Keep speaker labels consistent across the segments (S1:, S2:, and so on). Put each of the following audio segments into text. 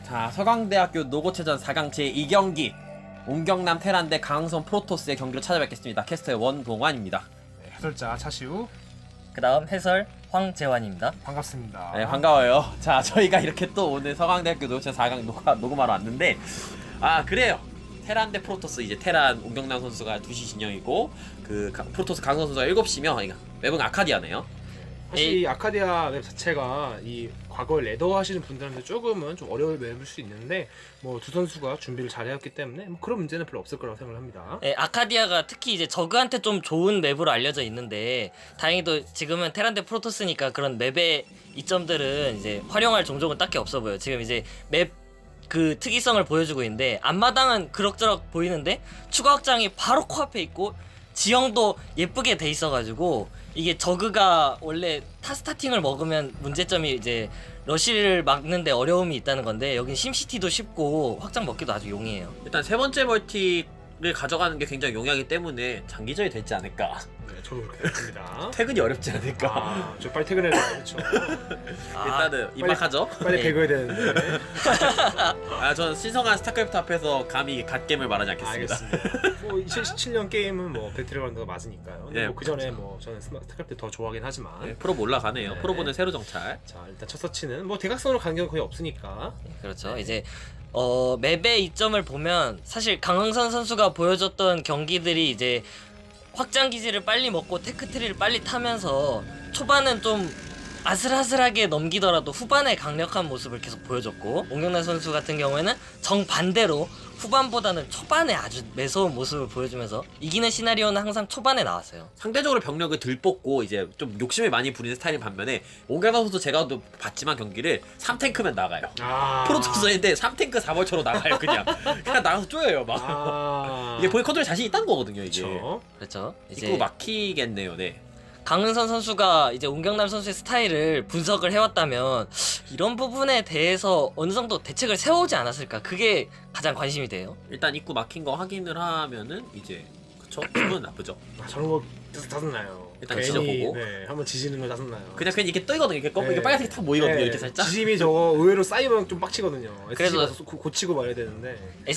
S1: 자, 서강대학교 노고체전 4강 제2경기 온경남 테란 대 강흥선 프로토스의 경기로 찾아뵙겠습니다. 캐스터의 원동환입니다.
S2: 네, 해설자 차시우
S3: 그 다음 해설 황재환입니다.
S2: 반갑습니다.
S1: 네, 반가워요. 자, 저희가 이렇게 또 오늘 서강대학교 노고체전 4강 녹음하러 왔는데, 아, 그래요. 테란 대 프로토스, 이제 테란 온경남 선수가 2시 진영이고 그 프로토스 강흥선 선수가 7시면 그러니까 맵은 아카디아네요.
S2: 사실 이 아카디아 맵 자체가 이 과거에 레더 하시는 분들한테 조금은 좀 어려울 맵일 수 있는데 뭐 두 선수가 준비를 잘 해왔기 때문에 뭐 그런 문제는 별로 없을 거라고 생각을 합니다.
S3: 네, 아카디아가 특히 이제 저그한테 좀 좋은 맵으로 알려져 있는데 다행히도 지금은 테란 대 프로토스니까 그런 맵의 이점들은 이제 활용할 종족은 딱히 없어 보여요. 지금 이제 맵 그 특이성을 보여주고 있는데 앞마당은 그럭저럭 보이는데 추가 확장이 바로 코앞에 있고 지형도 예쁘게 돼 있어가지고 이게 저그가 원래 타스타팅을 먹으면 문제점이 이제 러시를 막는데 어려움이 있다는 건데 여긴 심시티도 쉽고 확장 먹기도 아주 용이해요.
S1: 일단 세 번째 멀티를 가져가는 게 굉장히 용이하기 때문에 장기전이 되지 않을까.
S2: 네, 저도 그렇게 생각합니다.
S1: 퇴근이 어렵지 않을까.
S2: 아, 저 빨리 퇴근해야 돼요. 그렇죠.
S1: 일단은 입막하죠.
S2: 빨리
S3: 네.
S2: 배그해야 되는데.
S1: 아, 저는 신성한 스타크래프트 앞에서 감히 갓겜을 말하지 않겠습니다.
S2: 알겠습니다. 뭐 2017년 게임은 뭐 배틀그라운드가 맞으니까요. 근데
S1: 네,
S2: 뭐 그 전에 뭐 저는 스타크래프트 더 좋아하긴 하지만.
S1: 네, 프로보 올라가네요.
S2: 네.
S1: 프로보는 새로 정찰.
S2: 자, 일단 첫 서치는 뭐 대각선으로 가는 경우 거의 없으니까.
S3: 그렇죠. 이제 맵의 이점을 보면 사실 강흥선 선수가 보여줬던 경기들이 이제 확장 기지를 빨리 먹고 테크트리를 빨리 타면서 초반은 좀 아슬아슬하게 넘기더라도 후반에 강력한 모습을 계속 보여줬고 온경남 선수 같은 경우에는 정반대로 후반보다는 초반에 아주 매서운 모습을 보여주면서 이기는 시나리오는 항상 초반에 나왔어요.
S1: 상대적으로 병력을 들 뽑고 이제 좀 욕심을 많이 부리는 스타일인 반면에 온가나 선수 제가 또 봤지만 경기를 3탱크면 나가요.
S2: 아.
S1: 프로토스인데 3탱크 4벌처로 나가요. 그냥 나가서 쪼여요 막.
S2: 아.
S1: 이게 본인 컨트롤 자신 있다는 거거든요. 이게
S2: 그렇죠.
S3: 그렇죠.
S1: 입구 막히겠네요. 네.
S3: 강흥선 선수가 이제 온경남 선수의 스타일을 분석을 해왔다면 이런 부분에 대해서 어느 정도 대책을 세워오지 않았을까, 그게 가장 관심이 돼요.
S1: 일단 입구 막힌 거 확인을 하면은 이제 그쵸? 기분 나쁘죠.
S2: 아, 저런 거 짜증나요.
S1: 일단
S2: 괜히,
S1: 지져보고.
S2: 네, 한번 지지는 거 짜증나요.
S1: 그냥 이렇게 떠이거든요. 이렇게
S2: 네.
S1: 이게 빨간색이 탁 모이거든요.
S2: 네,
S1: 이렇게 살짝.
S2: 지짐이 저거 의외로 쌓이면 좀 빡치거든요.
S3: 그래서-
S2: 그래서 고치고 말해야 되는데.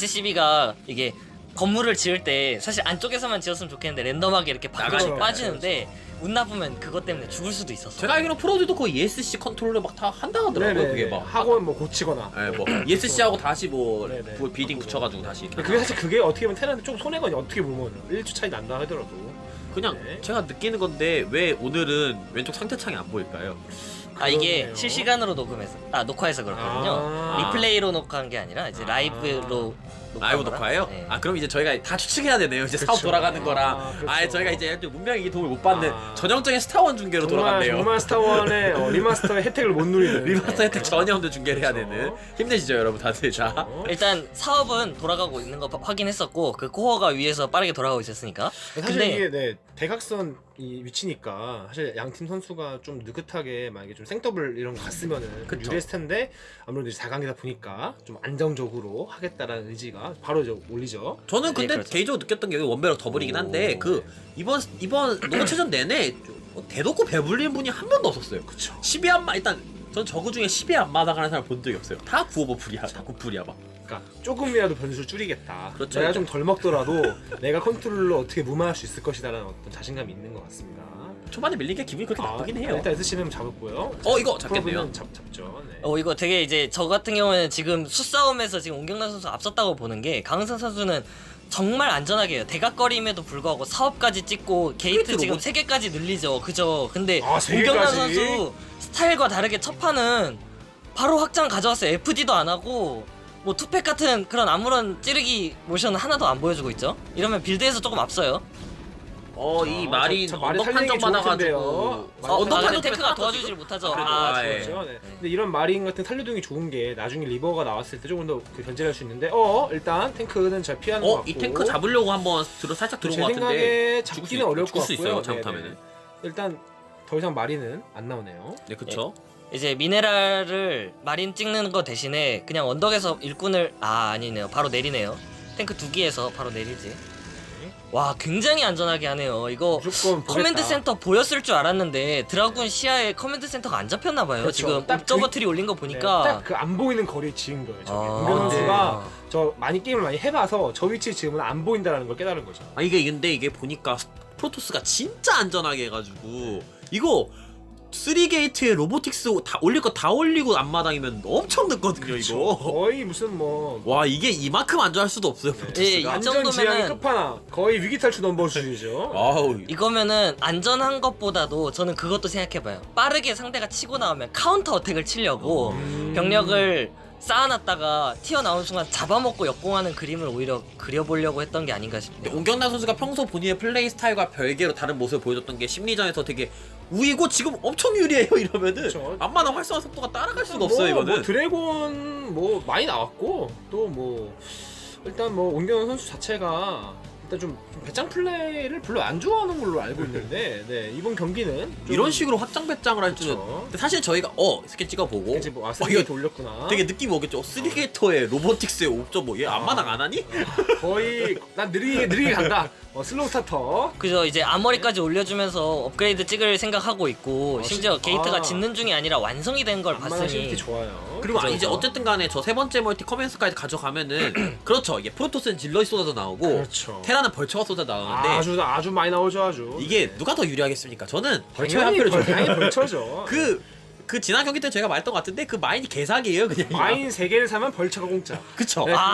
S3: SCB가 이게 건물을 지을 때 사실 안쪽에서만 지었으면 좋겠는데 랜덤하게 이렇게 밖으로
S1: 나가니까.
S3: 빠지는데 운 나쁘면 그것 때문에 죽을 수도 있었어.
S1: 제가 알기로 프로들도 거의 ESC 컨트롤을 막 다 한다 하더라고요.
S2: 네네.
S1: 그게 막.
S2: 하고 뭐 고치거나.
S1: 네, 뭐 ESC하고 다시 뭐
S2: 네네.
S1: 비딩
S2: 바꾸고.
S1: 붙여가지고 다시.
S2: 그게 사실 그게 어떻게 보면 테란한테 좀 손해가 어떻게 보면 1초 차이 난다 하더라도.
S1: 그냥
S2: 네.
S1: 제가 느끼는 건데 왜 오늘은 왼쪽 상태창이 안 보일까요?
S3: 이게
S2: 그러네요.
S3: 실시간으로 녹화해서 그렇거든요.
S2: 아.
S3: 리플레이로 녹화한 게 아니라 이제 라이브로
S1: 라이브
S3: 거라?
S1: 녹화예요?
S3: 네.
S1: 아, 그럼 이제 저희가 다 추측해야 되네요. 이제 사업
S2: 그쵸.
S1: 돌아가는 거랑.
S2: 아, 그쵸.
S1: 아, 저희가 이제 문명이 도움을 못 받는
S2: 아.
S1: 전형적인 스타원 중계로 돌아갔네요.
S2: 정말 스타원의 리마스터의 혜택을 못 누리는.
S1: 리마스터 혜택 전혀 없는 중계를 해야
S2: 그쵸.
S1: 되는. 힘내시죠, 여러분 다들. 자.
S3: 일단 사업은 돌아가고 있는 거 확인했었고 그 코어가 위에서 빠르게 돌아가고 있었으니까.
S2: 사실
S3: 근데
S2: 이게 네, 대각선 이 위치니까 사실 양팀 선수가 좀 느긋하게 만약에 좀 생더블 이런 거 갔으면은
S1: 그쵸.
S2: 유리했을 텐데 아무래도 이제 4강이다 보니까 좀 안정적으로 하겠다라는 의지가 바로 이제 올리죠.
S1: 저는 근데
S3: 네, 그렇죠.
S1: 개인적으로 느꼈던 게 원베럭 더블이긴 한데
S2: 오.
S1: 그 이번 농구체전 내내 대놓고 배불리는 분이 한 명도 없었어요.
S2: 그쵸.
S1: 10위 안마 일단 전 저그 중에 10위 안마당 하는 사람 본 적이 없어요. 다 9오버 불이야. 다 9불이야 막.
S2: 그러니까 조금이라도 변수를 줄이겠다.
S1: 그렇죠.
S2: 내가 좀 덜 먹더라도 내가 컨트롤로 어떻게 무마할 수 있을 것이다라는 어떤 자신감이 있는 것 같습니다.
S1: 초반에 밀린 게 기분이 그렇게 나쁘긴 해요.
S2: 일단 SCM 잡았고요.
S1: 이거 잡겠네요.
S2: 프로브는 잡죠. 네.
S3: 이거 되게 이제 저 같은 경우에는 지금 수싸움에서 지금 온경남 선수 앞섰다고 보는 게 강흥선 선수는 정말 안전하게 해요. 대각거림에도 불구하고 사업까지 찍고 게이트 지금
S1: 로봇.
S3: 3개까지 늘리죠. 그죠? 근데
S2: 아, 3
S3: 온경남
S2: 개까지?
S3: 선수 스타일과 다르게 첫 판은 바로 확장 가져왔어요. FD도 안 하고 뭐 투팩 같은 그런 아무런 찌르기 모션 하나도 안 보여주고 있죠. 이러면 빌드에서 조금 앞서요.
S1: 이 마린
S2: 저 말이
S1: 언덕
S2: 살리는 게
S1: 판정
S2: 좋을
S1: 받아가지고
S2: 텐데요.
S1: 언덕
S3: 근데
S1: 판정
S3: 테크가 도와주질 못하죠.
S1: 그래도, 예.
S2: 그렇죠. 네. 근데 이런 마린 같은 살려둥이 좋은 게 나중에 리버가 나왔을 때 조금 더 그 견제를 할 수 있는데 일단 탱크는 잘 피하는 것 같고
S1: 이 탱크 잡으려고 한번 살짝 들어온
S2: 제
S1: 것 같은데
S2: 생각에
S1: 죽을
S2: 잡기는 어려울 것
S1: 죽을 수 있어요.
S2: 같고요.
S1: 잘못하면은.
S2: 네네. 일단 더 이상 마린은 안 나오네요.
S1: 네, 그쵸.
S3: 이제 미네랄을 마린 찍는 거 대신에 그냥 언덕에서 일꾼을 아니네요. 바로 내리네요. 탱크 2기에서 바로 내리지. 와 굉장히 안전하게 하네요. 이거
S2: 무조건 보겠다.
S3: 커맨드 센터 보였을 줄 알았는데 드라군 시야에 커맨드 센터가 안 잡혔나 봐요.
S2: 그렇죠.
S3: 지금
S2: 딱
S3: 옵저버
S2: 그-
S3: 트리 올린 거 보니까
S2: 딱 그 안 보이는 거리에 지은 거예요. 저게.
S3: 아.
S2: 웅경 선수가
S3: 네.
S2: 저 많이 게임을 많이 해봐서 저 위치에 지금은 안 보인다라는 걸 깨달은 거죠.
S1: 아 이게 근데 이게 보니까 프로토스가 진짜 안전하게 해가지고 이거 3게이트에 로보틱스 다 올릴 거 다 올리고 앞마당이면 엄청 늦거든요 이거.
S2: 거의 무슨 뭐
S1: 와 이게 이만큼 안전할 수도 없어요 프로토스가.
S3: 예, 이
S2: 안전
S3: 정도면은-
S2: 지향이 끝판왕. 거의 위기 탈출 넘버 수준이죠.
S1: 아우
S3: 이거면은 안전한 것보다도 저는 그것도 생각해봐요. 빠르게 상대가 치고 나오면 카운터 어택을 치려고 병력을 쌓아놨다가 튀어나온 순간 잡아먹고 역공하는 그림을 오히려 그려보려고 했던 게 아닌가 싶네요.
S1: 옹경남 선수가 평소 본인의 플레이 스타일과 별개로 다른 모습을 보여줬던 게 심리전에서 되게 우이고 지금 엄청 유리해요 이러면은
S2: 그쵸.
S1: 앞마당 활성화 속도가 따라갈 수가 없어요 이거는.
S2: 뭐 드래곤 뭐 많이 나왔고 또 뭐 일단 뭐 온경 선수 자체가 일단 좀 배짱 플레이를 별로 안 좋아하는 걸로 알고 있는데 네, 이번 경기는 좀
S1: 이런 식으로 확장 배짱을 할 줄은.
S2: 그쵸.
S1: 근데 사실 저희가 스킬 찍어보고
S2: 이제 뭐
S1: 이거
S2: 아스리게 돌렸구나.
S1: 되게 느낌이 오겠죠. 3게이터에 로보틱스에 5.5. 얘 앞마당 안 하니?
S2: 거의 난 느리게 간다. 슬로우 스타터.
S3: 그죠, 이제 아머리까지 올려주면서 업그레이드 찍을 생각하고 있고 심지어 게이트가
S2: 아.
S3: 짓는 중이 아니라 완성이 된 걸
S2: 안마나
S3: 봤으니
S2: 실티 좋아요.
S1: 그리고
S3: 그죠,
S1: 이제
S3: 그죠.
S1: 어쨌든 간에 저 세 번째 멀티 커맨스까지 가져가면은 그렇죠. 이게 프로토스는 질럿이 쏟아져 나오고
S2: 그렇죠.
S1: 테라는 벌처가 쏟아 나오는데
S2: 아주 많이 나오죠 아주.
S1: 이게 누가 더 유리하겠습니까? 저는 벌처의 한
S2: 당연히
S1: 표를 줘요.
S2: 당연히 벌쳐죠.
S1: 그 지난 경기 때 제가 말했던 것 같은데 그 마인이 개사기예요 그냥.
S2: 마인 3개를 사면 벌처가 공짜.
S1: 그쵸.
S2: 네,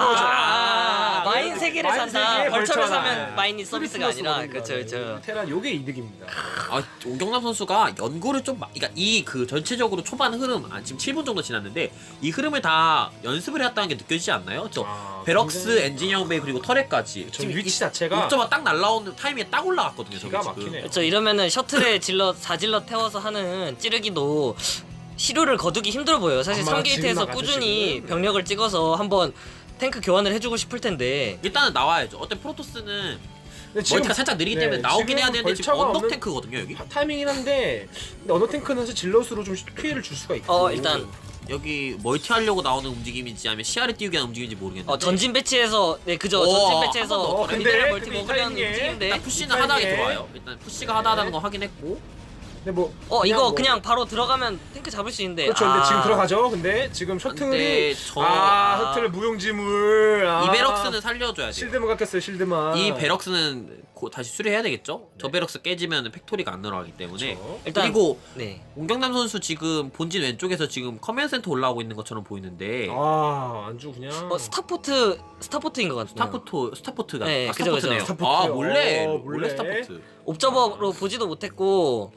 S3: 마인 세 개를
S2: 마인
S3: 산다.
S2: 세 개에
S3: 벌처를
S2: 벌처가.
S3: 사면 마인이 서비스가 아니라 그쵸.
S2: 테란 요게 이득입니다.
S1: 아, 오경남 선수가 연구를 좀, 그러니까 이 그 전체적으로 초반 흐름, 지금 7분 정도 지났는데 이 흐름을 다 연습을 해왔다는 게 느껴지지 않나요? 저 베럭스,
S2: 굉장히-
S1: 엔지니어링 베이 그리고 터렛까지
S2: 저 위치 자체가
S1: 옥저버 딱 날라오는 타이밍에 딱 올라갔거든요.
S2: 기가
S1: 저게 지금.
S2: 막히네요.
S3: 그쵸, 이러면은 셔틀에 질럿 4질럿 태워서 하는 찌르기도 시료를 거두기 힘들어 보여요. 사실
S2: 엄마가
S3: 3게이트에서
S2: 지금
S3: 꾸준히
S2: 지금.
S3: 병력을 찍어서 한번 탱크 교환을 해주고 싶을 텐데
S1: 일단은 나와야죠. 어때 프로토스는
S2: 근데 지금-
S1: 멀티가 살짝 느리기
S2: 네,
S1: 때문에 나오긴 해야
S2: 지금
S1: 되는데 지금
S2: 벌처가
S1: 언덕
S2: 없는-
S1: 탱크거든요 여기.
S2: 타이밍이긴 한데 근데 언더 탱크는 사실 질럿으로 좀 피해를 줄 수가 있고.
S3: 일단
S1: 여기 멀티 하려고 나오는 움직임인지 아니면 시야를 띄우기 위한 움직임인지 모르겠는데
S3: 전진 배치에서 네 그죠,
S1: 오,
S3: 전진
S1: 한번
S3: 배치에서
S1: 더.
S2: 근데
S3: 미네랄 멀티
S2: 근데 이
S3: 먹으려는
S2: 타이밍에
S3: 움직임인데
S1: 일단 푸시는
S2: 이
S1: 하나하게
S2: 타이밍에-
S1: 들어와요. 일단 푸시가 하다하다는 거 확인했고
S2: 근데 뭐
S3: 이거
S2: 뭐-
S3: 그냥 바로 들어가면 탱크 잡을 수 있는데
S2: 그렇죠. 근데 지금 들어가죠. 근데 지금 셔틀이
S1: 근데
S2: 셔틀 무용지물.
S1: 이 베럭스는 살려줘야 돼요.
S2: 실드만 깎였어요. 실드만.
S1: 이 베럭스는 다시 수리해야 되겠죠? 저 베럭스 깨지면 팩토리가 안 늘어가기 때문에
S2: 그렇죠.
S3: 일단
S1: 그리고
S3: 네.
S1: 옹경남 선수 지금 본진 왼쪽에서 지금 커맨드 센터 올라오고 있는 것처럼 보이는데
S2: 안주 그냥.
S3: 스타포트인 것 같아요.
S1: 스타포트가
S3: 네, 그죠,
S1: 스타포트네요.
S3: 그죠.
S1: 아
S2: 스타포트.
S1: 몰래
S2: 몰래.
S1: 스타포트.
S3: 옵저버로 보지도 못했고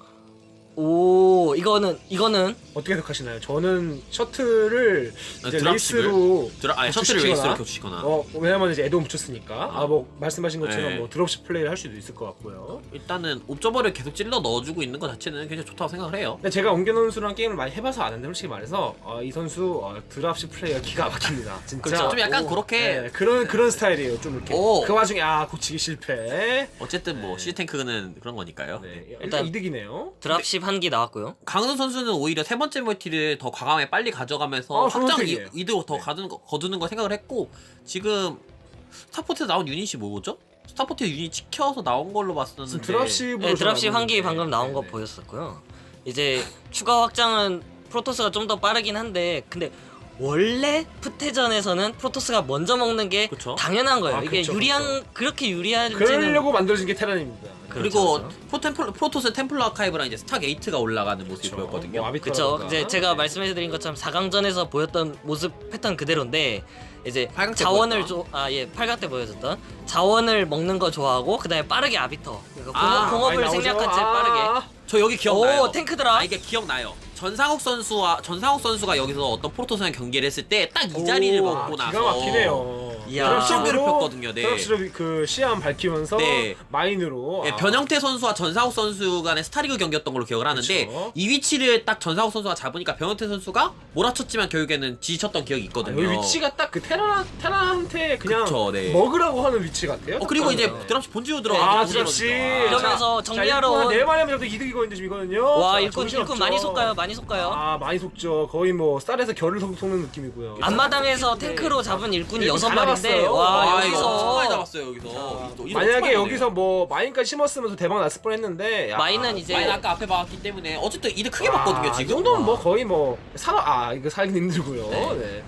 S3: 오 이거는
S2: 어떻게 해석하시나요? 저는 셔틀을 이제
S1: 드랍십을?
S2: 레이스로
S1: 셔틀을
S2: 교체시키거나,
S1: 레이스로 교체시거나
S2: 왜냐면 이제 에드온 붙였으니까 뭐 말씀하신 것처럼
S1: 네.
S2: 뭐 드롭십 플레이를 할 수도 있을 것 같고요.
S1: 일단은 옵저버를 계속 찔러 넣어주고 있는 것 자체는 굉장히 좋다고 생각을 해요.
S2: 근데 제가 옹견 선수랑 게임을 많이 해봐서 아는데 솔직히 말해서 이 선수 드랍십 플레이가 기가 막힙니다. 진짜.
S3: 그렇죠.
S1: 좀 약간
S3: 오,
S1: 그렇게
S2: 네, 그런 스타일이에요. 좀 이렇게.
S1: 오.
S2: 그 와중에 고치기 실패.
S1: 어쨌든 뭐 시탱크는 그런 거니까요.
S2: 네, 일단
S3: 일단
S2: 이득이네요.
S3: 드랍십 한 기 나왔고요.
S1: 강은호 선수는 오히려 세 번째 멀티를 더 과감하게 빨리 가져가면서
S2: 좋은
S1: 확장
S2: 선택이에요.
S1: 이득을 더
S2: 네.
S1: 거두는 걸 생각을 했고 지금 스타포트에 나온 유닛이 뭐죠? 스타포트에 유닛 찍혀서 나온 걸로 봤었는데
S2: 지금 드랍십으로
S3: 네, 드랍십 한 기
S2: 나오는데.
S3: 방금 나온 거
S2: 네, 네.
S3: 보였었고요. 이제 추가 확장은 프로토스가 좀 더 빠르긴 한데 근데 원래 푸테전에서는 프로토스가 먼저 먹는 게
S1: 그쵸.
S3: 당연한 거예요. 이게
S2: 그쵸,
S3: 그렇게 유리한지는
S2: 그러려고 만들어진 게 테란입니다.
S1: 그리고
S3: 그렇죠.
S1: 프로토스 템플러 아카이브랑 이제 스타게이트가 올라가는 모습이
S2: 그쵸.
S1: 보였거든요.
S2: 뭐
S3: 그쵸.
S2: 아비터라던가.
S3: 이제 제가 말씀해드린 것처럼 4강전에서 보였던 모습 패턴 그대로인데 이제
S1: 8강 때
S3: 자원을
S1: 보였던.
S3: 8강 때 보여줬던 자원을 먹는 거 좋아하고 그다음에 빠르게 아비터 그러니까
S1: 아,
S3: 공업을
S2: 많이 나오죠?
S3: 생략한 채 빠르게
S1: 저 여기 기억나요.
S3: 오 탱크더라.
S1: 이게 기억나요. 전상욱 선수가 여기서 어떤 프로토스랑 경기를 했을 때 딱 이 자리를 먹고 나서
S2: 기가 막히네요.
S3: 이야.
S1: 드랍십을 폈거든요. 네.
S2: 드랍십으로 그 시야만 밝히면서
S1: 네.
S2: 마인으로.
S1: 예, 변형태 선수와 전상욱 선수 간의 스타리그 경기였던 걸로 기억을 하는데
S2: 그쵸.
S1: 이 위치를 딱 전상욱 선수가 잡으니까 변형태 선수가 몰아쳤지만 결국에는 지쳤던 기억이 있거든요.
S2: 여기 위치가 딱 그 테라한테 그냥
S1: 그쵸, 네.
S2: 먹으라고 하는 위치 같아요.
S1: 그리고
S2: 딱
S1: 이제
S2: 보면.
S1: 드랍십 본지로 들어가서
S2: 드랍십.
S3: 이러면서 정리하러 온-
S2: 네 마리 하면 저도 이득이거든요. 지금 이거는요.
S3: 와
S2: 자,
S3: 일꾼
S2: 정신없죠.
S3: 많이 쏠까요? 많이 많이 속가요.
S2: 아 많이 속죠. 거의 뭐 쌀에서 결을 속는 느낌이고요.
S3: 앞마당에서 탱크로 잡은 일꾼이
S2: 일꾼
S3: 6마리인데
S2: 잡았어요.
S3: 와
S1: 이거 엄청 많이
S3: 여기서
S1: 잡았어요 여기서. 또 이거
S2: 만약에
S1: 엄청 많이
S2: 여기서 뭐 마인까지 심었으면 대박 났을 뻔했는데
S3: 마인은 이제
S1: 많이 아까 앞에 막았기 때문에 어쨌든 이득 크게 봤거든요
S2: 이
S1: 지금.
S2: 정도는 뭐 거의 뭐 이거 살기 힘들고요. 네.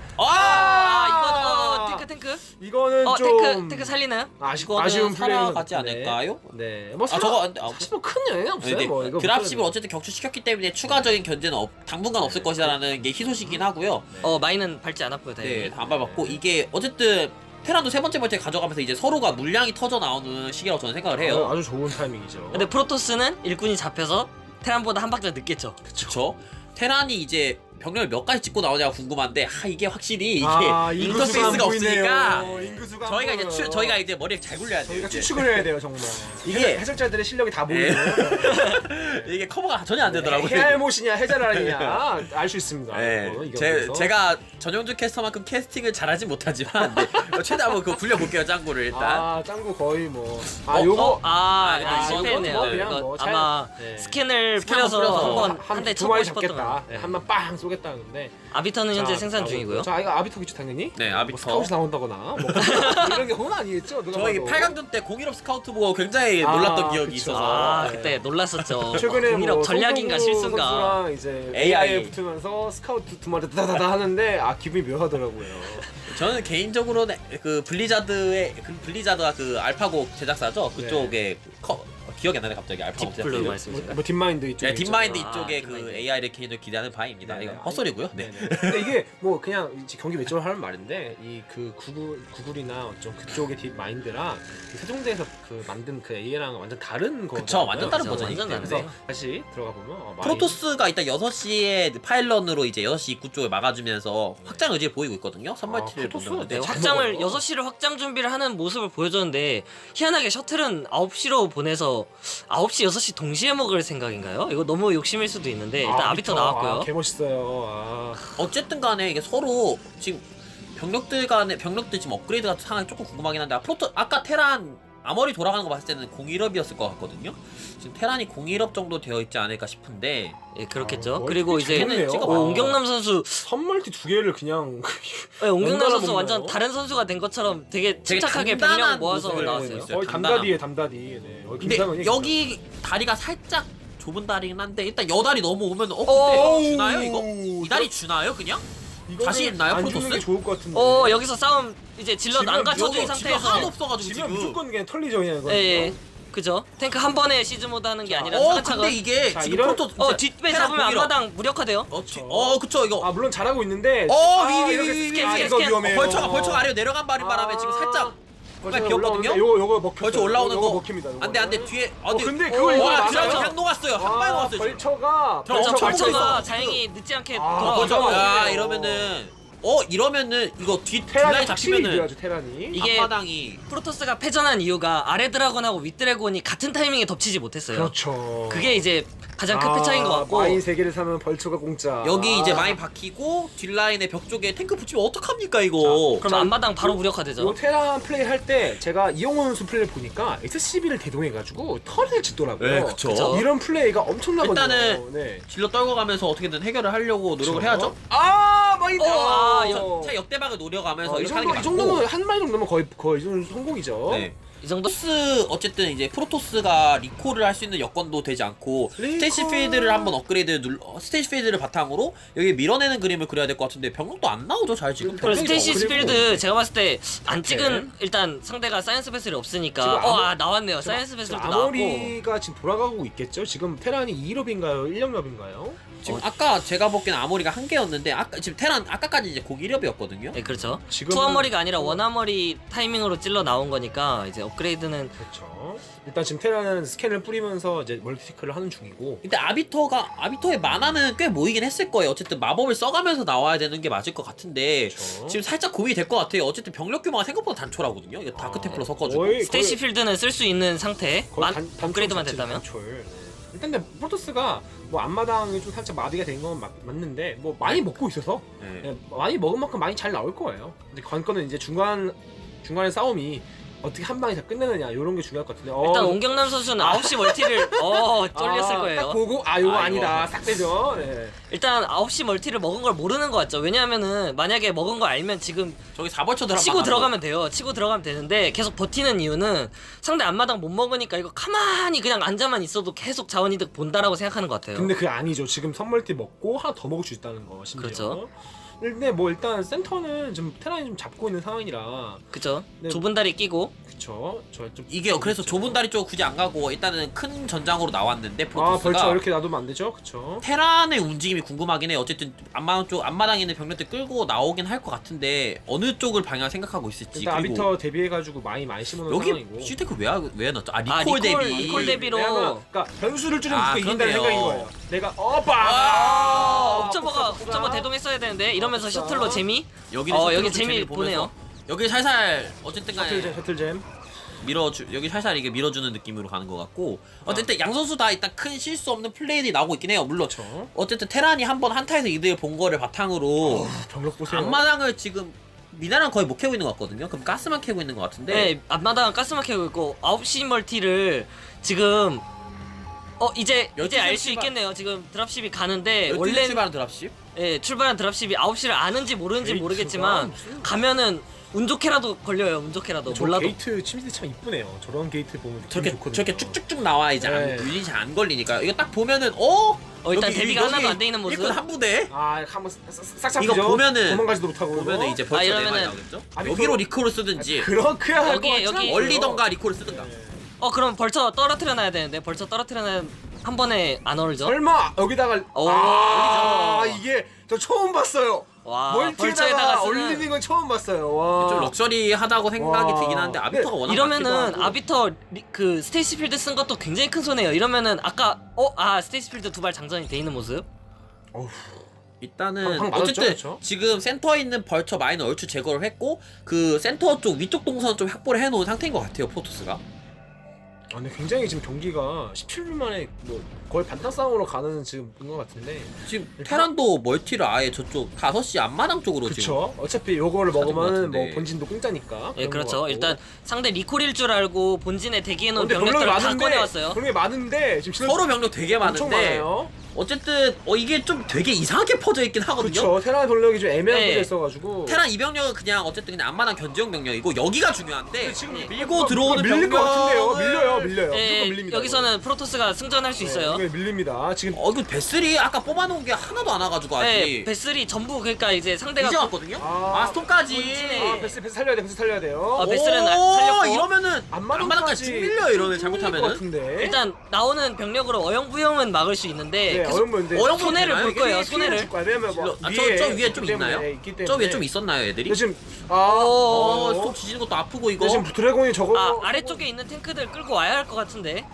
S3: 이거 탱크
S2: 이거는 좀
S3: 탱크 살리나요?
S1: 이거는
S2: 플레이
S1: 살아가지 않을까요?
S2: 네. 뭐
S1: 저거
S2: 사실 뭐 큰 영향이 없어요.
S1: 네,
S2: 뭐 이거
S1: 드랍십을 어쨌든 격추시켰기 때문에 추가적인 견제는 당분간 없을 것이라는 게 희소식이긴 하고요.
S3: 마인은 밟지 않았고요 다행히.
S1: 네, 안 밟았고 이게 어쨌든 테란도 세 번째 벌채 가져가면서 이제 서로가 물량이 터져 나오는 시기라고 저는 생각을 해요.
S2: 아주 좋은 타이밍이죠.
S3: 근데 프로토스는 일꾼이 잡혀서 테란보다 한 박자 늦겠죠.
S1: 그쵸? 테란이 이제 병력을 몇 가지 찍고 나오냐가 궁금한데 이게 확실히 이게
S2: 인구수가
S1: 인터페이스가
S2: 안 보이네요.
S1: 없으니까
S2: 인구수가 안
S1: 저희가 이제
S2: 보여요.
S1: 저희가 이제 머리를 잘 굴려야 돼요.
S2: 저희가
S1: 이제.
S2: 추측을 해야 돼요 정말. 이게 해설자들의 실력이 다 보이네요.
S1: 이게 커버가 전혀 안 되더라고요.
S2: 해알못이냐 해자라느냐 알 수 있습니다.
S1: 네,
S2: 이거 이겨서.
S1: 제가 전용준 캐스터만큼 캐스팅을 잘하진 못하지만 네, 최대한 한번 그거 굴려볼게요 짱구를 일단.
S2: 짱구 거의 뭐
S1: 요거?
S3: 실패했네요.
S2: 이건 그냥
S3: 이거
S2: 뭐 잘-
S3: 아마
S2: 네.
S3: 스캔을
S1: 뿌려서
S3: 뿌려서 한 대
S2: 두
S3: 쳐보고
S2: 마리
S3: 싶었던
S2: 잡겠다.
S3: 거.
S2: 네, 한번 빵 쏘겠다는데.
S3: 아비터는 현재 생산 중이고요.
S2: 자, 이거 아비터겠죠 당연히.
S1: 네,
S2: 뭐
S1: 아비터.
S2: 스카웃이 나온다거나 뭐 이런 게 혼은 아니겠죠. 누가
S1: 저희
S2: 봐도.
S1: 8강전 때 01업 스카우트 보고 굉장히 놀랐던 기억이
S2: 그쵸.
S1: 있어서.
S2: 네.
S3: 그때 놀랐었죠.
S2: 최근에
S3: 공일업
S2: 뭐
S3: 전략인가
S2: 송동구
S3: 실수인가.
S2: 선수랑 이제
S1: AI.
S2: AI 붙으면서 스카우트 두 마리 다다다다 하는데 기분이 묘하더라고요.
S1: 저는 개인적으로는 블리자드가 그 알파고 제작사죠. 그쪽에 기억이 안 나네 갑자기 알파고
S3: 딥블루
S1: 제작사.
S3: 말씀이신가요?
S2: 뭐 딥마인드 이쪽에
S1: 네, 딥마인드
S3: 있죠.
S1: 이쪽에
S3: 아,
S1: 그
S3: 딥마인드.
S1: AI를 개인적으로 기대하는 바입니다.
S2: 네네.
S1: 이건 헛소리고요. 네.
S2: 근데 이게 뭐 그냥 이제 경기 매체로 하는 말인데 이 그 구글이나 좀 그쪽의 딥 마인드랑 이 세종대에서 그 만든 그 AI랑 완전 다른 거.
S1: 그쵸, 완전 다른
S3: 그쵸,
S1: 버전이기
S3: 완전
S1: 때문에.
S3: 다른데.
S2: 다시 들어가 보면
S1: 프로토스가 일단 6시에 파일런으로 이제 6시 입구 쪽을 막아주면서 확장 의지를 보이고 있거든요. 선멀티를
S2: 프로토스?
S1: 본다는데.
S3: 네,
S2: 잘
S3: 확장을
S2: 먹어요.
S3: 6시를 확장 준비를 하는 모습을 보여줬는데 희한하게 셔틀은 9시로 보내서 9시, 6시 동시에 먹을 생각인가요? 이거 너무 욕심일 수도 있는데 일단 아비터 나왔고요.
S2: 개멋있어요.
S1: 어쨌든 간에 이게 서로 지금 병력들 지금 업그레이드 같은 상황이 조금 궁금하긴 한데 아까 테란 아머리 돌아가는 거 봤을 때는 01업이었을 것 같거든요. 지금 테란이 01업 정도 되어 있지 않을까 싶은데
S3: 예, 그렇겠죠.
S2: 아,
S3: 그리고 이제
S2: 재밌네요.
S3: 옹경남 선수
S2: 선멀티 두 개를 그냥
S3: 옹경남
S2: 연달아
S3: 선수
S2: 먹나요?
S3: 완전 다른 선수가 된 것처럼 되게
S1: 되게
S3: 침착하게
S1: 단단한
S3: 병력 모아서
S1: 모습을
S3: 나왔어요.
S1: 보이고 있어요.
S2: 거의
S1: 단단함.
S2: 담다디에 담다디. 네.
S1: 근데
S2: 김상은이
S1: 여기 다리가 살짝 좁은 다리긴 한데 일단 여다리 넘어오면 근데
S2: 어우,
S1: 주나요 이거? 이 다리 주나요 그냥?
S2: 이거는
S1: 자신 있나요,
S2: 안 주는
S1: 프로토스?
S2: 게 좋을 것 같은데.
S3: 여기서 싸움 이제 질럿
S2: 지금
S3: 안 갖춰진
S2: 여기
S1: 지금 하나도
S3: 상태에서
S1: 없어가지고
S2: 지금
S1: 지금.
S2: 무조건 그냥 털리죠 그냥 이거.
S3: 예, 예. 그죠? 탱크 한 번에 시즈 모드 하는 게 아니라
S1: 근데
S3: 차근차근
S1: 이게
S2: 자,
S1: 지금
S2: 이런-
S1: 프로토스
S3: 뒷배 잡으면 앞마당 무력화돼요.
S1: 그쵸 이거
S2: 물론 잘하고 있는데.
S1: 위.
S3: 스캔,
S2: 이거
S3: 스캔.
S2: 위험해요.
S1: 벌처가 아래로 내려간 바람에 지금 살짝
S2: 벌처가
S1: 비었거든요?
S2: 올라오는데 요거 먹혀.
S1: 벌처 올라오는 거
S2: 먹힙니다. 요거.
S1: 안돼 뒤에
S2: 근데 그걸 이거
S1: 와
S2: 맞아요.
S1: 드라마 그냥 녹았어요 한 방에 녹았어요 지금.
S2: 벌처가
S1: 저 엄청
S3: 벌처가
S1: 벌처가
S3: 다행히 늦지 않게
S2: 벌처.
S3: 돌아와서
S1: 야 이러면은 이거 뒷라인
S2: 테란이 확실히
S1: 잡히면은
S2: 이겨야죠 테란이.
S3: 이게
S1: 앞마당이
S3: 프로토스가 패전한 이유가 아래 드라곤하고 윗 드래곤이 같은 타이밍에 덮치지 못했어요.
S2: 그렇죠.
S3: 그게 이제 가장 큰 패차인 것 같고
S2: 마인 3개를 사면 벌처가 공짜.
S1: 여기 이제 많이 박히고 뒷라인에 벽 쪽에 탱크 붙이면 어떡합니까 이거.
S3: 그럼 앞마당 바로 무력화되죠.
S2: 요 테란 플레이 할 때 제가 이용훈 선수 플레이를 보니까 SCB를 대동해가지고 털을 짓더라고요.
S1: 네, 그쵸.
S3: 그쵸.
S2: 이런 플레이가 엄청나거든요.
S1: 일단은
S2: 네.
S1: 질러 떨고 가면서 어떻게든 해결을 하려고 노력을
S2: 그쵸?
S1: 해야죠.
S2: 마인드.
S1: 차 역대박을 노려가면서
S2: 이
S1: 이렇게 하는 게
S2: 정도 이
S1: 맞고.
S2: 정도면 한 마리 정도면 거의 이 정도 성공이죠.
S1: 네.
S3: 이 정도
S1: 프로토스 어쨌든 이제 프로토스가 리콜을 할 수 있는 여건도 되지 않고
S2: 리콜.
S1: 스테이시 필드를 한번 스테이시 필드를 바탕으로 여기 밀어내는 그림을 그려야 될 것 같은데 병력도 안 나오죠 잘 지금.
S3: 그리고 스테이시
S2: 그리고-
S3: 스필드 제가 봤을 때 안 찍은
S2: 네.
S3: 일단 상대가 사이언스 베슬이
S2: 지금
S3: 없으니까 나왔네요. 사이언스 베슬도 나왔고
S2: 아모리가 지금 돌아가고 있겠죠. 지금 테란이 2럽인가요? 1럽인가요?
S1: 지금 아까 제가 보기엔 아모리가 한 개였는데 아까 지금 테란 아까까지 이제 고기 1업이었거든요.
S3: 네, 그렇죠.
S2: 지금은-
S3: 투어머리가 아니라 원아머리 타이밍으로 찔러 나온 거니까 이제 업그레이드는
S2: 그렇죠. 일단 지금 테란은 스캔을 뿌리면서 이제 멀티티크를 하는 중이고.
S1: 근데 아비터의 만화는 꽤 모이긴 했을 거예요. 어쨌든 마법을 써가면서 나와야 되는 게 맞을 것 같은데
S2: 그렇죠.
S1: 지금 살짝 고민이 될 것 같아요. 어쨌든 병력 규모가 생각보다 단촐하거든요. 이거 다크 템플러 섞어주고.
S2: 거의-
S3: 스테이시 필드는 쓸 수 있는 상태. 업그레이드만 됐다면.
S2: 일단 근데 프로토스가 뭐 앞마당이 좀 살짝 마비가 된 건 맞는데 뭐 많이 먹고 있어서
S1: 네.
S2: 예, 많이 먹은 만큼 많이 잘 나올 거예요. 근데 관건은 이제 중간의 싸움이 어떻게 한 방에 다 끝내느냐 이런 게 중요할 것 같은데.
S3: 일단 옹경남 선수는 9시 멀티를 쫄렸을 거예요.
S2: 딱 보고 요거
S1: 아,
S2: 아니다.
S1: 이거.
S2: 딱 되죠. 네.
S3: 일단 9시 멀티를 먹은 걸 모르는 것 같죠. 왜냐하면은 만약에 먹은 거 알면 지금
S1: 저기 4벌쳐 들어가.
S3: 치고 들어가면 돼요. 치고 들어가면 되는데 계속 버티는 이유는 상대 앞마당 못 먹으니까 이거 가만히 그냥 앉아만 있어도 계속 자원이득 본다라고 생각하는 것 같아요.
S2: 근데 그게 아니죠. 지금 선멀티 먹고 하나 더 먹을 수 있다는 거. 심지어.
S3: 그렇죠.
S2: 근데 뭐 일단 센터는 좀 테란이 좀 잡고 있는 상황이라.
S3: 그죠?
S2: 네.
S3: 좁은 다리 끼고
S2: 그쵸. 저좀
S1: 이게 그래서 좁은 다리 쪽 굳이 안 가고 일단은 큰 전장으로 나왔는데 프로토스가
S2: 벌써 이렇게 놔두면 안 되죠. 그쵸.
S1: 테란의 움직임이 궁금하긴 해. 어쨌든 앞마당에 있는 병력들 끌고 나오긴 할 것 같은데 어느 쪽을 방향 생각하고 있을지.
S2: 일단
S1: 그리고
S2: 아비터 대비해가지고 많이 심어놓은
S1: 여기
S2: 상황이고.
S1: 시테크 왜 넣었죠?
S3: 리콜
S1: 대비.
S3: 리콜 대비로.
S2: 왜냐면 그러니까 변수를 줄이면
S1: 아,
S2: 무조건 이긴다는
S1: 그러네요.
S2: 생각인 거예요. 내가
S3: 옵저버가 대동했어야 되는데 이러면서 셔틀로 재미?
S1: 여기는
S3: 여기
S1: 셔틀로
S3: 재미
S1: 재미를 보면서
S3: 보네요.
S1: 여기 살살 어쨌든 간에
S2: 셔틀잼.
S1: 여기 살살 이게 밀어주는 느낌으로 가는 것 같고 어쨌든 양 선수 다 일단 큰 실수 없는 플레이들이 나오고 있긴 해요. 물론
S2: 그렇죠.
S1: 어쨌든 테란이 한번 한타에서 이득을 본 거를 바탕으로
S2: 병력 보세요.
S1: 앞마당을 지금 미나랑 거의 못 캐고 있는 것 같거든요. 그럼 가스만 캐고 있는 것 같은데
S3: 네, 앞마당 가스만 캐고 있고 9시 멀티를 지금 이제
S1: 12시
S3: 알 수
S1: 출발.
S3: 있겠네요. 지금 드랍십이 가는데
S1: 12시
S3: 원래
S1: 출발한 드랍십?
S3: 출발한 드랍십이 9시를 아는지 모르는지
S2: 게이트가
S3: 모르겠지만
S2: 무슨-
S3: 가면은 운 좋게라도 걸려요. 운 좋게라도
S2: 저
S3: 몰라도.
S2: 게이트 침대 참 이쁘네요. 저런 게이트 보면 느낌이
S1: 저렇게
S2: 좋거든요.
S1: 저렇게 쭉쭉쭉 나와 이제
S2: 네.
S1: 유닛이 안 걸리니까 이거 딱 보면은
S3: 일단
S1: 여기-
S3: 데뷔가
S1: 여기
S3: 하나도 안 돼 있는 모습.
S1: 일꾼 한 부대
S2: 한번 싹 잡히죠.
S1: 이거 보면은-
S2: 도망가지도 못하고
S1: 보면은 이제 벌써
S3: 이러면은-
S1: 내말 나오겠죠?
S2: 아니,
S1: 여기로 리콜을 쓰든지
S2: 그렇게 할
S3: 여기-
S2: 것 같지
S3: 여기-
S2: 않고요.
S1: 얼리던가 리콜을 쓰든가.
S2: 네.
S3: 그럼 벌써 떨어뜨려 놔야 되는데 벌써 떨어뜨려 놔야 한 번에 안 얼죠?
S2: 설마 여기다가 이게 저 처음 봤어요.
S3: 와,
S2: 멀티에다가
S3: 벌처에다가 쓰는-
S2: 올리는 건 처음 봤어요. 와.
S1: 좀 럭셔리하다고 생각이
S2: 와.
S1: 들긴 하는데 아비터가
S2: 네.
S1: 워낙
S3: 이러면은
S1: 많기도 하고.
S3: 아비터 그 스테이시 필드 쓴 것도 굉장히 큰 손해예요. 이러면은 아까 스테이시 필드 두 발 장전이 돼 있는 모습.
S2: 어휴.
S1: 일단은
S2: 방 맞았죠,
S1: 어쨌든
S2: 그쵸?
S1: 지금 센터에 있는 벌처 마이너 얼추 제거를 했고 그 센터 쪽 위쪽 동선 좀 확보를 해놓은 상태인 것 같아요 프로토스가.
S2: 근데 굉장히 지금 경기가 17분 만에 뭐 거의 반탄 싸움으로 가는 지금 것 같은데.
S1: 지금 테란도 멀티를 아예 저쪽 5시 앞마당 쪽으로 지금
S2: 그쵸. 어차피 요거를
S1: 찾은 것
S2: 먹으면
S1: 같은데.
S2: 뭐 본진도 공짜니까.
S3: 예,
S2: 그런 것
S3: 그렇죠.
S2: 같고.
S3: 일단 상대 리콜일 줄 알고 본진에 대기해놓은
S2: 근데 병력이
S3: 병력들을 다
S2: 많은데
S3: 꺼내왔어요.
S2: 병력이 많은데 지금
S1: 서로 병력 되게
S2: 엄청
S1: 많은데
S2: 많아요.
S1: 어쨌든 이게 좀 되게 이상하게 퍼져 있긴 하거든요.
S2: 그쵸. 테란 병력이 좀 애매한
S3: 네.
S2: 곳에 있어가지고.
S1: 테란 이 병력은 그냥 어쨌든 그냥 앞마당 견제용 병력이고 여기가 중요한데
S2: 근데 지금
S1: 밀고 들어오는
S2: 밀릴 것 같은데요.
S1: 병력을-
S2: 밀려요.
S3: 예,
S2: 무조건 밀립니다.
S3: 여기서는 프로토스가 승전할 수 있어요.
S2: 이게 밀립니다. 지금
S1: 이거 베슬이 아까 뽑아놓은 게 하나도 안 와가지고 아직
S3: 네, 베슬이 전부 그러니까 이제 상대가
S1: 이제 왔거든요.
S2: 아,
S1: 스톰까지.
S3: 본진에-
S2: 베스 살려야 돼. 베스 살려야 돼요.
S3: 베슬은
S1: 오,
S3: 살렸고.
S1: 이러면은
S2: 앞마당까지
S1: 앞마당까지 쭉 밀려 이러면 잘못하면은.
S2: 같은데.
S3: 일단 나오는 병력으로 어영부영은 막을 수 있는데
S2: 네,
S3: 계속
S2: 어영부인데
S3: 손해를 볼 거예요. 손해를.
S2: 왜냐면 뭐
S1: 저 위에 좀
S2: 있기
S1: 있나요?
S2: 때문에 있기
S1: 저 위에
S2: 때문에.
S1: 좀 있었나요 애들이?
S2: 근데 지금
S1: 스톰 지지는 것도 아프고 이거.
S2: 지금 드래곤이 저거
S3: 아래쪽에 있는 탱크들 끌고 와야 할 것 같은데.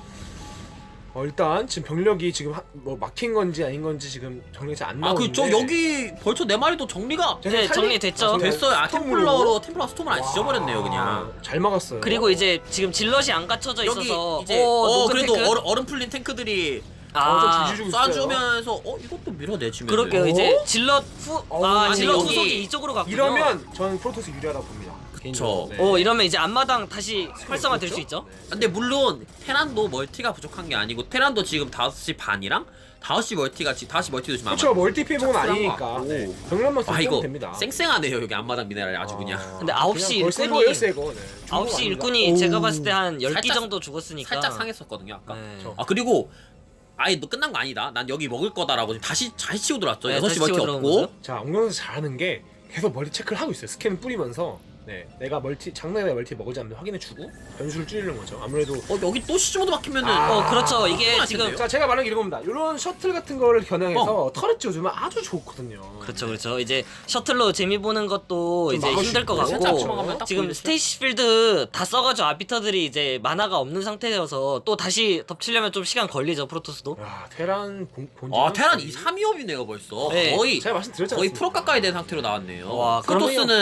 S2: 일단 지금 병력이 지금 뭐 막힌 건지 아닌 건지 지금 정리가 잘 안 나오는데.
S1: 저 여기 벌써 4마리도 정리가
S3: 네, 정리됐죠.
S1: 됐어요.
S2: 스톰으로?
S1: 템플러 스톰을 안 지져버렸네요 그냥.
S2: 잘 막았어요.
S3: 그리고 이제 지금 질럿이 안 갖춰져
S1: 여기
S3: 있어서
S1: 이제
S3: 녹은
S1: 그래도
S3: 탱크?
S1: 얼음 풀린 탱크들이
S3: 아,
S2: 좀 주시고 있어요.
S1: 쏴주면서 이것도 밀어내주면
S3: 그럴게요.
S2: 어?
S3: 이제 질럿
S2: 아니,
S3: 질럿
S1: 여기
S3: 후속이 이쪽으로 갔군요.
S2: 이러면 저는 프로토스 유리하다고 봅니다. 개인적으로. 네.
S3: 이러면 이제 앞마당 다시 활성화 될 수 있죠.
S1: 근데 물론 테란도 멀티가 부족한 게 아니고 테란도 지금 5시 반이랑 5시 멀티가 지금 5시 멀티도 지금
S2: 그렇죠. 멀티피봉은
S1: 착실한 거
S2: 아니니까.
S1: 같고.
S2: 네. 병력만
S1: 아
S2: 쓰면
S1: 이거
S2: 됩니다.
S1: 쌩쌩하네요 여기 앞마당 미네랄이 아주 그냥.
S3: 근데 9시
S2: 그냥 거의
S3: 일꾼이-
S2: 새거. 네.
S3: 9시
S2: 중국
S3: 일꾼이
S2: 아닙니다.
S3: 제가 봤을 때 한 10기
S1: 살짝-
S3: 정도 죽었으니까
S1: 살짝 상했었거든요 아까.
S3: 네.
S1: 그리고 아예 너 끝난 거 아니다. 난 여기 먹을 거다라고 지금 다시 치고 들어왔죠.
S3: 네,
S1: 6시
S3: 다시
S1: 멀티
S3: 치고 들어온
S1: 없고.
S3: 모습.
S2: 자, 엉덩이에서 잘하는 게 계속 멀티 체크를 하고 있어요. 스캔 뿌리면서 내가 장난에 멀티 먹을지 않는지 확인해주고 변수를 줄이는 거죠. 아무래도
S1: 여기 또 시즈모드 막히면은
S3: 그렇죠. 이게
S1: 큰일
S3: 지금
S1: 났는데요?
S2: 자, 제가 말한 게 이겁니다. 이런 셔틀 같은 거를 겨냥해서 터렛 지어주면 아주 좋거든요.
S3: 그렇죠. 이제 셔틀로 재미 보는 것도
S2: 좀
S3: 이제
S2: 막을
S3: 힘들 것
S2: 수 있고.
S1: 살짝
S3: 같고
S1: 주먹하면 딱
S3: 지금
S1: 보이겠죠?
S3: 스테이시 필드 다 써가지고 아비터들이 이제 만화가 없는 상태여서 또 다시 덮치려면 좀 시간 걸리죠 프로토스도.
S2: 야, 테란 본진.
S1: 테란 2, 3위업이네요 벌써.
S3: 네.
S1: 거의
S2: 제가 말씀드렸잖아요.
S1: 프로 가까이 된 상태로 나왔네요.
S3: 와,
S1: 프로토스는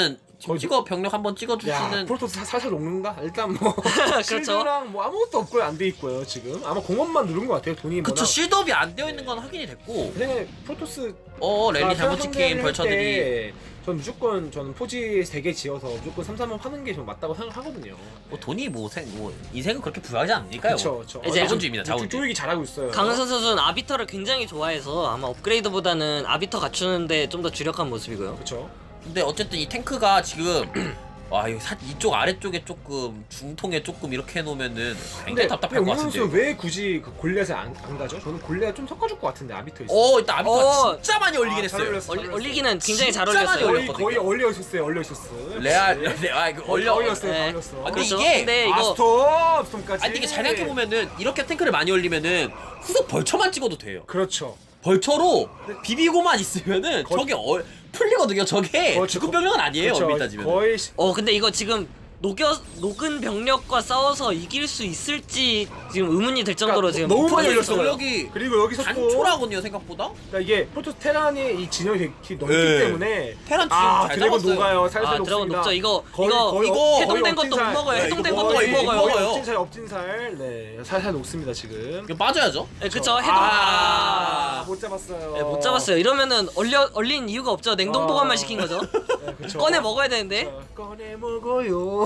S1: 찍어 병력 한번
S2: 야,
S1: 찍어주시는.
S2: 프로토스 살살 녹는가? 일단 뭐
S3: 그렇죠.
S2: 실드랑 뭐 아무것도 없고요. 안 돼 있고요. 지금 아마 공업만 누른 것 같아요. 돈이
S1: 그쵸, 실드업이 안 되어 있는 건 확인이 됐고.
S2: 그냥 프로토스
S1: 랠리 잘못 찍힌 벌처들이.
S2: 전 무조건 저는 포지 3개 지어서 무조건 3-3원 하는 게 좀 맞다고 생각하거든요.
S1: 뭐 돈이 뭐 인생은 그렇게 부유하지 않으니까요.
S2: 그렇죠.
S3: 이제
S1: 자본주의입니다. 자본주의.
S2: 쪼이기 잘하고 있어요.
S3: 강은선 선수는 아비터를 굉장히 좋아해서 아마 업그레이드보다는 아비터 갖추는데 좀 더 주력한 모습이고요.
S2: 그렇죠.
S1: 근데 어쨌든 이 탱크가 지금 와 이쪽 아래쪽에 조금 중통에 조금 이렇게 해놓으면은 굉장히 답답할 것 같은데.
S2: 왜 굳이 그 골렛을 안 가죠? 저는 골렛 좀 섞어줄 것 같은데 아비터 있어.
S1: 일단 아비터가 진짜 많이 올리긴
S2: 잘
S1: 했어요.
S2: 올렸어.
S3: 올리기는 굉장히 잘
S1: 진짜 많이
S3: 올렸어요.
S2: 거의 얼려 있었어요. 얼려 있었어.
S1: 올렸어요.
S3: 네.
S2: 올렸어요.
S1: 근데
S3: 그렇죠.
S1: 이게
S3: 근데
S2: 아
S3: 이거
S2: 스톰까지.
S1: 아니 이게 잘 생각해 보면은 이렇게 탱크를 많이 올리면은 후속 벌처만 찍어도 돼요.
S2: 그렇죠.
S1: 벌처로 비비고만 있으면은 저게 풀리거든요. 저게
S2: 그렇죠.
S1: 주급 병력은 아니에요.
S2: 그렇죠.
S1: 엄밀히 따지면.
S2: 거의
S3: 근데 이거 지금 녹은 병력과 싸워서 이길 수 있을지 지금 의문이 들 정도로
S2: 그러니까
S3: 지금
S2: 너무
S3: 풀어져
S2: 많이
S3: 있어요.
S2: 올렸어요.
S1: 여기
S2: 그리고 여기서 또
S1: 단초라거든요 생각보다.
S2: 그러니까 이게 프로토스 테란의 이 진영이 되게 넓기
S1: 네.
S2: 때문에
S1: 테란 지금 잘
S2: 드래곤
S1: 잡았어요.
S2: 녹아요. 살살
S3: 드래곤
S2: 녹습니다.
S3: 녹죠. 이거
S1: 이거
S3: 해동된 것도 못
S2: 엎진살.
S3: 먹어요.
S1: 네,
S3: 해동된
S1: 이거
S3: 것도 못
S1: 거의
S3: 먹어요.
S1: 먹어요.
S2: 엎진살. 네, 살살 녹습니다 지금.
S1: 이거 빠져야죠.
S3: 네, 그쵸. 해동.
S2: 못 잡았어요.
S3: 네, 못 잡았어요. 이러면은 얼린 이유가 없죠. 냉동 보관만 시킨 거죠.
S2: 네, 그쵸.
S3: 꺼내 먹어야 되는데.
S2: 꺼내 먹어요.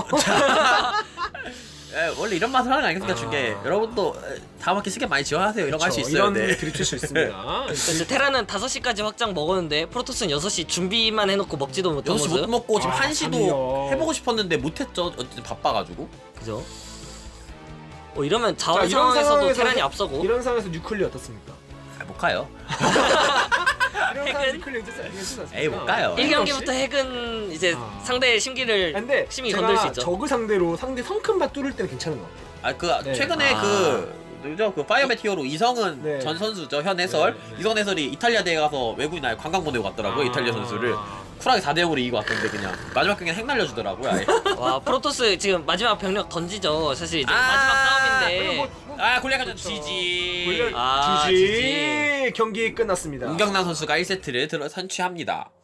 S1: 원래 이런 맛을 하는 거 아니겠습니까? 중계 여러분도 다음 학기 시간 많이 지원하세요. 이런 거 할 수 있어요.
S2: 이런
S1: 네.
S2: 드립칠 수 있습니다.
S3: 그래서 테라는 5시까지 확장 먹었는데 프로토스는 6시 준비만 해놓고 먹지도 못한
S1: 6시
S3: 모습.
S1: 못 먹고 지금
S2: 아,
S1: 1시도
S2: 잠이요.
S1: 해보고 싶었는데 못했죠. 어쨌든 바빠가지고.
S3: 그죠? 이러면 자원
S2: 자, 이런
S3: 상황에서도
S2: 상황에서-
S3: 테란이 앞서고.
S2: 이런 상황에서 뉴클리 어떻습니까?
S1: 못 가요.
S2: 이런 상황에서 뉴클리
S1: 에이, 못 가요.
S3: 1경기부터 핵은 이제
S2: 아.
S3: 상대의 심기를
S2: 근데
S3: 심히 건들 수
S2: 제가
S3: 있죠.
S2: 저그 상대로 상대 성큰밭 뚫을 때는 괜찮은 것 같아요.
S1: 네. 최근에 누구죠? 그 파이어맨 히어로 이성은
S2: 네.
S1: 전 선수죠. 현 해설.
S2: 네.
S1: 이성 해설이 이탈리아 대회 가서 외국인 아예 관광 보내고 갔더라고요. 이탈리아 선수를. 쿨하게 4대0으로 이기고 왔던데 그냥 마지막 경기는 핵 날려주더라고요. 아예.
S3: 와 프로토스 지금 마지막 병력 던지죠. 사실 이제 마지막 싸움인데.
S1: 골리앗전
S2: 그렇죠.
S1: 지지.
S3: 아,
S2: 지지 경기 끝났습니다.
S1: 문경남 선수가 1세트를 선취합니다.